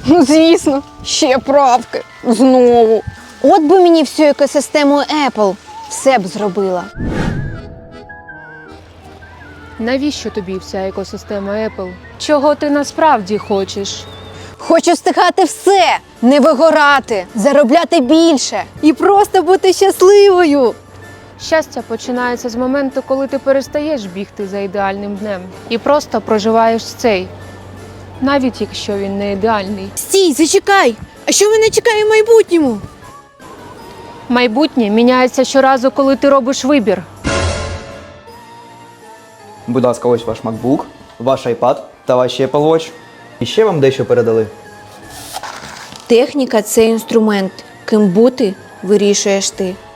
Ну, звісно, ще правки. Знову. От би мені всю екосистему Apple все б зробила. Навіщо тобі вся екосистема Apple? Чого ти насправді хочеш? Хочу встигати все, не вигорати, заробляти більше і просто бути щасливою. Щастя починається з моменту, коли ти перестаєш бігти за ідеальним днем і просто проживаєш цей, навіть якщо він не ідеальний. Стій, зачекай! А що мене чекає в майбутньому? Майбутнє міняється щоразу, коли ти робиш вибір. Будь ласка, ось ваш MacBook, ваш iPad та ваші Apple Watch. І ще вам дещо передали. Техніка – це інструмент. Ким бути – вирішуєш ти.